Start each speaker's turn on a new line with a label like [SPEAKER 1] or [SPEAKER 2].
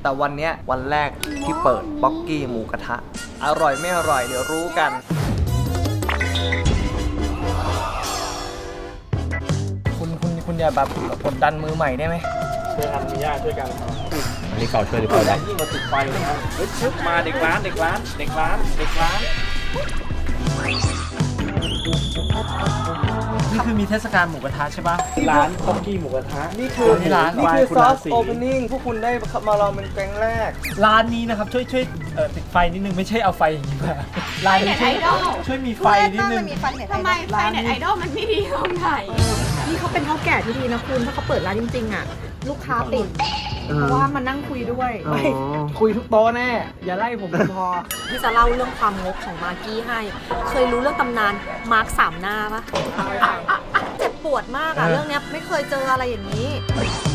[SPEAKER 1] แต่วันเนี้ยวันแรกที่เปิดป๊อกกี้หมูกระทะอร่อยไม่อร่อยเดี๋ยวรู้กันคุณอย่าแบบกดดันมือใหม่ได้ไหมช่วยกันมีญาติช่วยกันอันนี้เก่าช่วยดีกว่าได้ยิ่งมาติดไฟเลยนะชึบมาเด็กร้านนี่คือมีเทศกาลหมูกระทะใช่ปะร้านป๊อกกี้หมูกระทะนี่คือซอฟต์โอเพนนิ่งพวกคุณได้มาลองเป็นครั้งแรกร้านนี้นะครับช่วยติดไฟนิดนึงไม่ใช่เอาไฟอย่างนี้มาร้านนี้ช่วยมีไฟนิดนึง
[SPEAKER 2] ทำไมไฟเน็ตไอดอลมันไม่ดีตรงไหนนี่เขาเป็นเฒ่าแก่ที่ดีนะคุณถ้าเขาเปิดร้านจริงๆอ่ะลูกค้าติดเพราะว่ามานั่งคุยด้วยคุยทุกโต๊ะแน่อย่าไล่ผมพอที่จะเล่าเรื่องความงกของมากกี้ให้เคยรู้เรื่องตำนานมาร์ค3 หน้าปะเจ็บปวดมากอะเรื่องนี้ไม่เคยเจออะไรอย่างนี้